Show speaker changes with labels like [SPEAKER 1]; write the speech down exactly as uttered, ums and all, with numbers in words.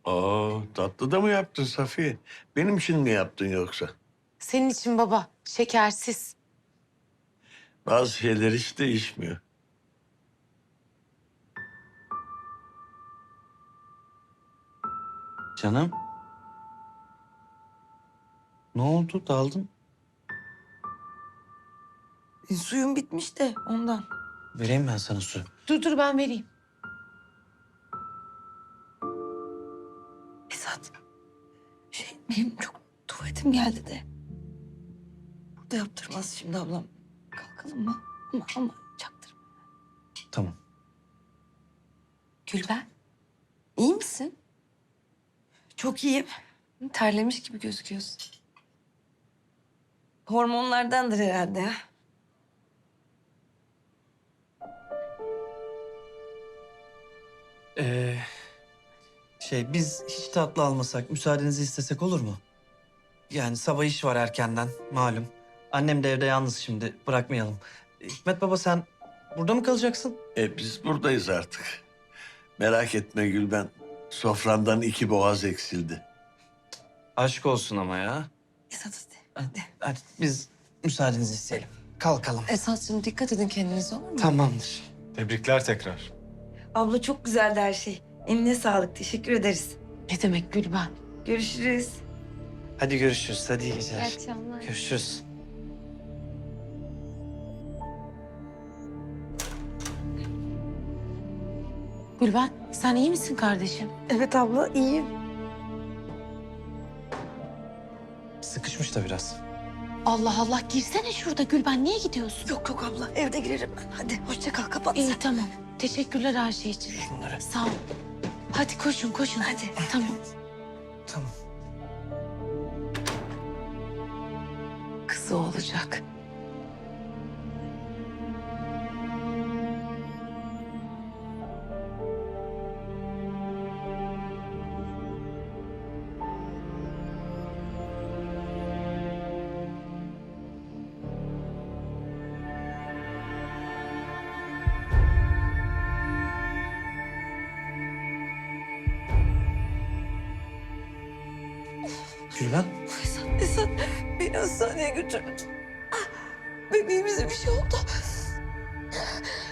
[SPEAKER 1] Oo, tatlı da mı yaptın Safiye? Benim için mi yaptın yoksa?
[SPEAKER 2] Senin için baba, şekersiz.
[SPEAKER 1] Bazı şeyler hiç değişmiyor.
[SPEAKER 3] Canım. Ne oldu? Daldın.
[SPEAKER 4] E, suyum bitmiş de ondan.
[SPEAKER 3] Vereyim ben sana su.
[SPEAKER 2] Dur dur ben vereyim.
[SPEAKER 4] Esat, şey benim çok tuvaletim geldi de. Burada yaptırmaz şimdi ablam. Kalkalım mı? Ama ama çaktırma.
[SPEAKER 3] Tamam.
[SPEAKER 2] Gülben,
[SPEAKER 4] İyi misin? Çok iyiyim.
[SPEAKER 2] terlemiş gibi gözüküyorsun.
[SPEAKER 4] Hormonlardandır herhalde ya.
[SPEAKER 3] Ee, şey biz hiç tatlı almasak, müsaadenizi istesek olur mu? Yani sabah iş var erkenden, malum. Annem de evde yalnız şimdi, bırakmayalım. Ee, Hikmet baba sen burada mı kalacaksın?
[SPEAKER 1] E biz buradayız artık. Merak etme Gülben. Sofrandan iki boğaz eksildi.
[SPEAKER 3] Aşk olsun ama ya.
[SPEAKER 4] Esat hadi. hadi.
[SPEAKER 3] Hadi biz müsaadenizi isteyelim. Kalkalım.
[SPEAKER 2] Esat'cığım dikkat edin kendinize olur mu?
[SPEAKER 3] Tamamdır.
[SPEAKER 5] Tebrikler tekrar.
[SPEAKER 4] Abla çok güzeldi her şey. Eline sağlık. Teşekkür ederiz.
[SPEAKER 2] Ne demek Gülben?
[SPEAKER 4] Görüşürüz.
[SPEAKER 3] Hadi görüşürüz. Hadi iyi geceler.
[SPEAKER 2] İyi akşamlar.
[SPEAKER 3] Görüşürüz.
[SPEAKER 2] Gülben, sen iyi misin kardeşim?
[SPEAKER 4] Evet abla iyiyim.
[SPEAKER 3] Sıkışmış da biraz.
[SPEAKER 2] Allah Allah, girsene şurada Gülben. Niye gidiyorsun?
[SPEAKER 4] Yok yok abla evde girerim ben. Hadi hoşça kal kapat
[SPEAKER 2] İyi
[SPEAKER 4] sen.
[SPEAKER 2] tamam. Teşekkürler her şey için.
[SPEAKER 3] Bunları.
[SPEAKER 2] Sağ ol. Hadi koşun koşun.
[SPEAKER 4] Hadi.
[SPEAKER 2] Tamam.
[SPEAKER 3] Tamam.
[SPEAKER 2] Kızı olacak.
[SPEAKER 3] Gülben.
[SPEAKER 4] Esat, Esat beni hastaneye götürün. Ah, bebeğimize bir şey oldu.